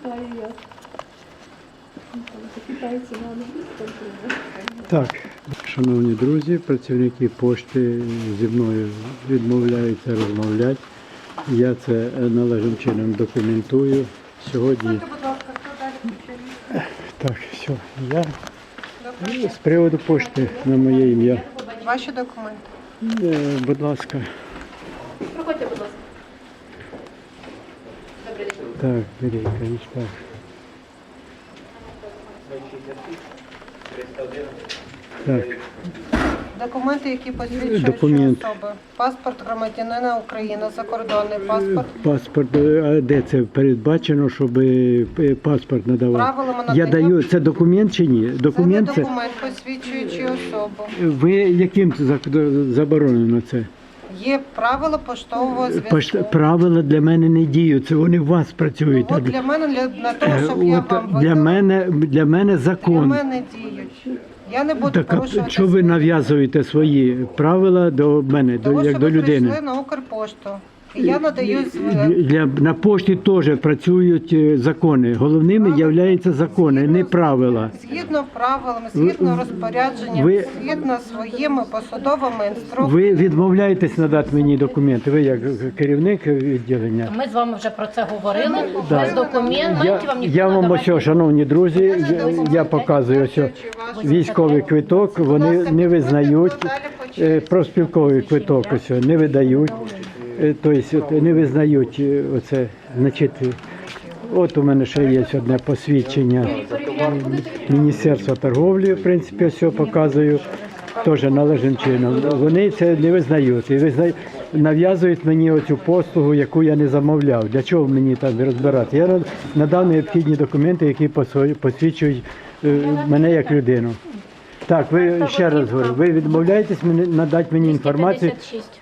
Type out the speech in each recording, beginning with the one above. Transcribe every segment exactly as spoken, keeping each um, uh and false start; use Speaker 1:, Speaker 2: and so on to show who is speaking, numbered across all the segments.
Speaker 1: Вітаю я. Китайці нам.
Speaker 2: Так, шановні друзі, працівники пошти зі мною відмовляються розмовляти. Я це належним чином документую. Сьогодні... Так, все, я з приводу пошти на моє ім'я.
Speaker 3: Ваші документи.
Speaker 2: Е, Будь ласка.
Speaker 1: Проходьте, будь ласка. Добрий день.
Speaker 2: Так, беріть, так. Так,
Speaker 3: Документи, які посвідчують
Speaker 2: Документ.
Speaker 3: що особи. Паспорт громадянина України, закордонний паспорт.
Speaker 2: паспорт, а де це передбачено, щоб е, паспорт надавати?
Speaker 3: Правилами
Speaker 2: Я
Speaker 3: надання.
Speaker 2: даю, це документ чи ні?
Speaker 3: Це не
Speaker 2: Документ це,
Speaker 3: документ, посвідчуючий особу.
Speaker 2: ви яким це зак- заборонено це?
Speaker 3: Є правила поштового зв'язку.
Speaker 2: Пошт- Правила для мене не діють, це вони у вас працюють.
Speaker 3: От для мене, для, для того,
Speaker 2: Е,
Speaker 3: щоб я
Speaker 2: от
Speaker 3: вам
Speaker 2: для
Speaker 3: видала,
Speaker 2: мене, для мене
Speaker 3: для
Speaker 2: закон.
Speaker 3: мене діють. Я не буду
Speaker 2: Так, а
Speaker 3: порушувати.
Speaker 2: що ви нав'язуєте свої правила до мене, до,
Speaker 3: Того,
Speaker 2: як
Speaker 3: що
Speaker 2: до
Speaker 3: ви
Speaker 2: людини?
Speaker 3: прийшли на Укрпошту. І я надаю
Speaker 2: Для,
Speaker 3: з-
Speaker 2: для- на пошті теж працюють е, закони. Головними являються закони, не правила.
Speaker 3: згідно правилам, згідно розпорядженням,
Speaker 2: ви-
Speaker 3: згідно своїми посадовими інструкціями.
Speaker 2: Ви відмовляєтесь надати мені документи, ви як керівник відділення.
Speaker 1: Ми з вами вже про це говорили.
Speaker 2: Да.
Speaker 1: Без документів
Speaker 2: Я,
Speaker 1: вам ніхто
Speaker 2: я
Speaker 1: не
Speaker 2: вам
Speaker 1: давати.
Speaker 2: ось, шановні друзі, я, я показую ось військовий квиток, вони не визнають, е, профспілковий квиток ось не видають, е, тобто не визнають е, оце, значить, е, от у мене ще є одне посвідчення Міністерства торговлі, в принципі, все показую, теж належним чином. Вони це не визнають і визнають, нав'язують мені оцю послугу, яку я не замовляв. Для чого мені там розбирати? Я надав необхідні документи, які посвою- посвідчують е, мене як людину. Так, ви ще раз говорю, ви відмовляєтесь мені надати мені інформацію.
Speaker 1: двісті п'ятдесят шість.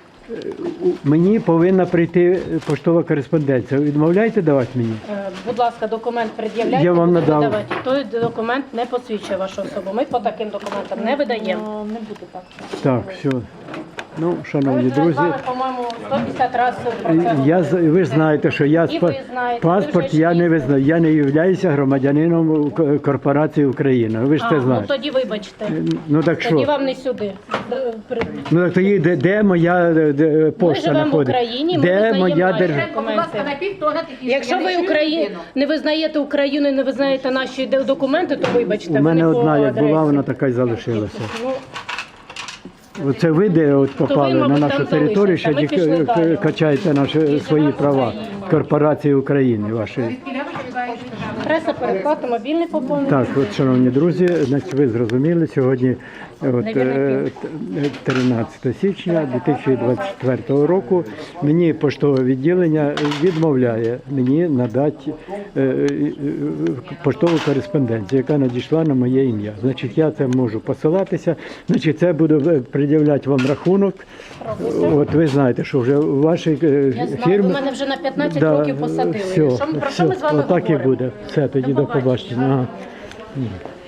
Speaker 2: Мені повинна прийти поштова кореспонденція. Відмовляєте давати мені?
Speaker 1: Е, Будь ласка, документ пред'являйте.
Speaker 2: Я вам
Speaker 1: буду
Speaker 2: надав.
Speaker 1: видавати. Той документ не посвідчує вашу особу. Ми по таким документам не видаємо. Не буде так.
Speaker 2: Так, все. Ну,
Speaker 1: Ми
Speaker 2: шановні
Speaker 1: вже з
Speaker 2: друзі,
Speaker 1: вами, по-моєму, сто п'ятдесят разів про це
Speaker 2: я, з- ви ж знаєте, що я
Speaker 1: І
Speaker 2: з па-
Speaker 1: ви знаєте,
Speaker 2: паспорт
Speaker 1: ви ж
Speaker 2: я не
Speaker 1: їздите.
Speaker 2: визнаю. Я не являюся громадянином к- корпорації Україна. Ви ж
Speaker 1: А,
Speaker 2: це
Speaker 1: ну
Speaker 2: знаєте.
Speaker 1: тоді вибачте.
Speaker 2: Ну так
Speaker 1: Тоді
Speaker 2: що?
Speaker 1: вам не сюди. Д- при-
Speaker 2: Ну так тоді де, де моя де, де, пошта
Speaker 1: живемо в
Speaker 2: знаходиться?
Speaker 1: Україні, ми
Speaker 2: Де
Speaker 1: визнаємо
Speaker 2: моя
Speaker 1: наші
Speaker 2: держава?
Speaker 1: документи. Якщо ви Україну не визнаєте Україну, і не визнаєте наші де- документи, то вибачте.
Speaker 2: У
Speaker 1: ви
Speaker 2: мене
Speaker 1: не по
Speaker 2: одна, як була,
Speaker 1: адресі.
Speaker 2: вона така й залишилася.
Speaker 1: Ну,
Speaker 2: Оце ви де от попали
Speaker 1: мабуть,
Speaker 2: на
Speaker 1: там
Speaker 2: нашу територію, що
Speaker 1: залишиться. Ми
Speaker 2: ді-
Speaker 1: пішли далі.
Speaker 2: качаєте наші свої права корпорації України вашої.
Speaker 1: Преса, переплата, мобільний поповнення.
Speaker 2: Так, от, шановні друзі, значить, ви зрозуміли, сьогодні от, е, т- тринадцятого січня дві тисячі двадцять четвертого року мені поштове відділення відмовляє мені надати е, е, поштову кореспонденцію, яка надійшла на моє ім'я. Значить, я це можу посилатися, значить, це буду пред'являти вам рахунок. От ви знаєте, що вже у вашій е,
Speaker 1: Я знаю,
Speaker 2: фірмі...
Speaker 1: ви мене вже на п'ятнадцять
Speaker 2: Да,
Speaker 1: років посадили.
Speaker 2: все,
Speaker 1: Що ми- про що
Speaker 2: все,
Speaker 1: ми з вами
Speaker 2: отак і
Speaker 1: говоримо?
Speaker 2: буде. Все, тоді
Speaker 1: До
Speaker 2: до побачення.
Speaker 1: побачення.
Speaker 2: Ага.